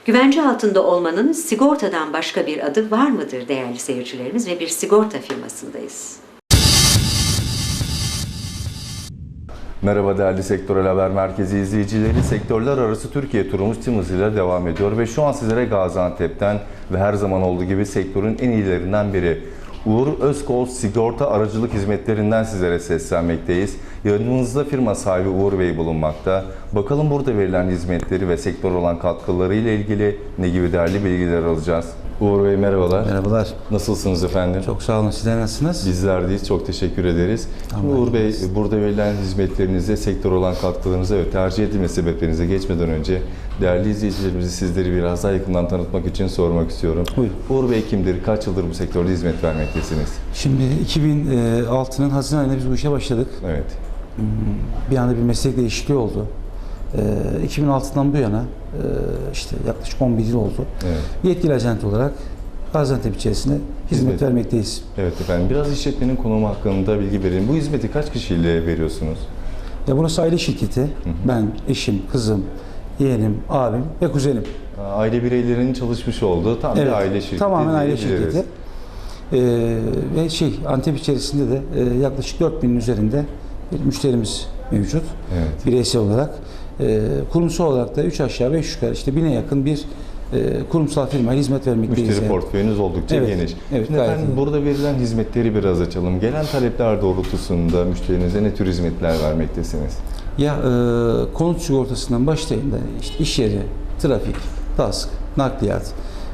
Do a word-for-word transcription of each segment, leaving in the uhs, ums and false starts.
Güvence altında olmanın sigortadan başka bir adı var mıdır değerli seyircilerimiz ve bir sigorta firmasındayız. Merhaba değerli Sektörel Haber Merkezi izleyicileri. Sektörler arası Türkiye turumuz tüm hızıyla devam ediyor ve şu an sizlere Gaziantep'ten ve her zaman olduğu gibi sektörün en iyilerinden biri Uğur Özkol Sigorta Aracılık Hizmetlerinden sizlere seslenmekteyiz. Yanımızda firma sahibi Uğur Bey bulunmakta. Bakalım burada verilen hizmetleri ve sektör olan katkıları ile ilgili ne gibi değerli bilgiler alacağız. Uğur Bey merhabalar. Merhabalar. Nasılsınız efendim? Çok sağ olun. Sizler nasılsınız? Bizler deyiz. Çok teşekkür ederiz. Şimdi Uğur Bey, burada verilen hizmetlerinize, sektör olan katkılarınıza ve tercih edilme sebeplerinize geçmeden önce değerli izleyicilerimizi sizleri biraz daha yakından tanıtmak için sormak istiyorum. Buyurun. Uğur Bey kimdir? Kaç yıldır bu sektörde hizmet vermektesiniz? Şimdi iki bin altı'nın Haziran ayında biz bu işe başladık. Evet. Bir anda bir meslek değişikliği oldu. iki bin altı'dan bu yana işte yaklaşık on bir yıl oldu. Evet. Yetkili ajant olarak Gaziantep içerisinde hizmet, Hizmet. vermekteyiz. Evet efendim. Biraz işletmenin konumu hakkında bilgi verelim. Bu hizmeti kaç kişiyle veriyorsunuz? Ya burası aile şirketi. Hı hı. Ben, eşim, kızım, yeğenim, abim ve kuzenim. Aile bireylerinin çalışmış olduğu tam Evet, bir aile şirketi. tamamen aile diyebiliriz. şirketi. Ee, ve şey Antep içerisinde de e, yaklaşık dört binin üzerinde bir müşterimiz mevcut. Evet. Bireysel olarak. E, kurumsal olarak da üç aşağı beş yukarı işte bine yakın bir e, kurumsal firmaya hizmet vermekteyiz. Müşteri yani. portföyünüz oldukça Evet, geniş. evet, Şimdi gayet efendim iyi. burada verilen hizmetleri biraz açalım. Gelen talepler doğrultusunda müşterinize ne tür hizmetler vermektesiniz? Ya e, konut sigortasından başlayın da işte iş yeri, trafik, task, nakliyat,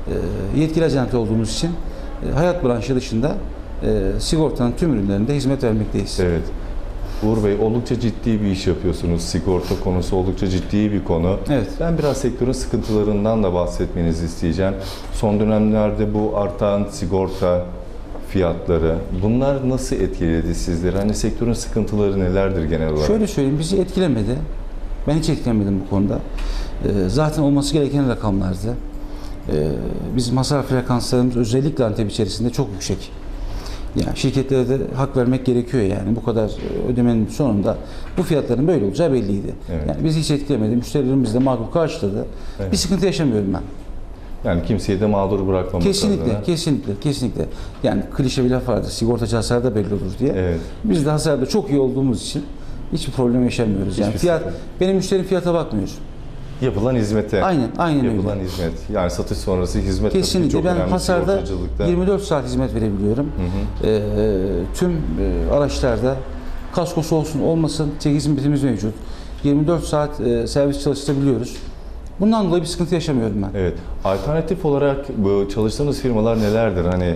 e, yetkili ajant olduğumuz için e, hayat branşı dışında e, sigortanın tüm ürünlerinde hizmet vermekteyiz. Evet. Uğur Bey oldukça ciddi bir iş yapıyorsunuz. Sigorta konusu oldukça ciddi bir konu. Evet. Ben biraz sektörün sıkıntılarından da bahsetmenizi isteyeceğim. Son dönemlerde bu artan sigorta fiyatları, bunlar nasıl etkiledi sizleri? Hani sektörün sıkıntıları nelerdir genel olarak? Şöyle söyleyeyim, bizi etkilemedi. Ben hiç etkilenmedim bu konuda. E, zaten olması gereken rakamlardı. E, bizim hasar frekanslarımız özellikle Antep içerisinde çok yüksek. Yani şirketlere de hak vermek gerekiyor yani bu kadar ödemenin sonunda bu fiyatların böyle olacağı belliydi. Evet. Yani bizi hiç etkilemedi. Müşterilerimiz de makul karşıladı. Evet. Bir sıkıntı yaşamıyorum ben. Yani kimseyi de mağdur bırakmamak Kesinlikle, adına. kesinlikle, kesinlikle. Yani klişe bir laf vardır, sigortacı hasarda belli olur diye. Evet. Biz de hasarda çok iyi olduğumuz için hiçbir problem yaşamıyoruz. Yani Hiçbir fiyat, sıkıntı. benim müşterim fiyata bakmıyor. Yapılan hizmete. Aynen, aynen Yapılan öyle. hizmet. Yani satış sonrası hizmet tabii ki Kesinlikle. çok Ben önemli hasarda sigortacılıkta. yirmi dört saat hizmet verebiliyorum. Hı hı. Ee, tüm e, araçlarda kaskosu olsun olmasın çek hizmetimiz mevcut. yirmi dört saat e, servis çalıştırabiliyoruz. Bundan dolayı bir sıkıntı yaşamıyorum ben. Evet. Alternatif olarak bu çalıştığınız firmalar nelerdir? Hani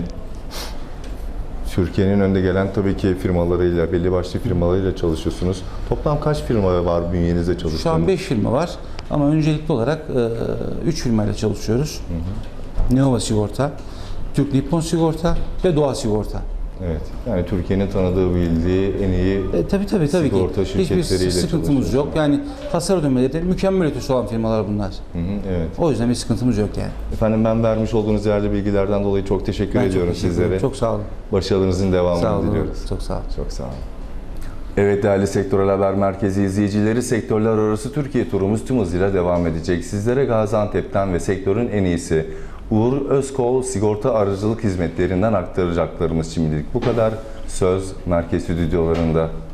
Türkiye'nin önde gelen tabii ki firmalarıyla, belli başlı firmalarıyla çalışıyorsunuz. Toplam kaç firma var bünyenizde çalıştığınız? Şu an beş firma var ama öncelikli olarak üç firmayla çalışıyoruz. Hı hı. Neova Sigorta, Türk Nippon Sigorta ve Doğa Sigorta. Evet. Yani Türkiye'nin tanıdığı, bildiği en iyi E, tabii tabii tabii sigorta ki. Hiçbir şirketleriyle sıkıntımız yok. Yani hasar ödemeleri de mükemmel ötesi olan firmalar bunlar. Hı hı, evet. O yüzden bir sıkıntımız yok yani. Efendim ben vermiş olduğunuz değerli bilgilerden dolayı çok teşekkür Ben ediyorum çok teşekkür sizlere. ederim. Çok sağ olun. Başarılarınızın devamını Sağ olun. diliyoruz. Çok sağ olun. Çok sağ olun. Evet değerli Sektörel Haber Merkezi izleyicileri, sektörler arası Türkiye turumuz tüm hızıyla devam edecek. Sizlere Gaziantep'ten ve sektörün en iyisi Uğur Özkol Sigorta Aracılık Hizmetlerinden aktaracaklarımız şimdilik bu kadar. Söz Merkez Stüdyolarında.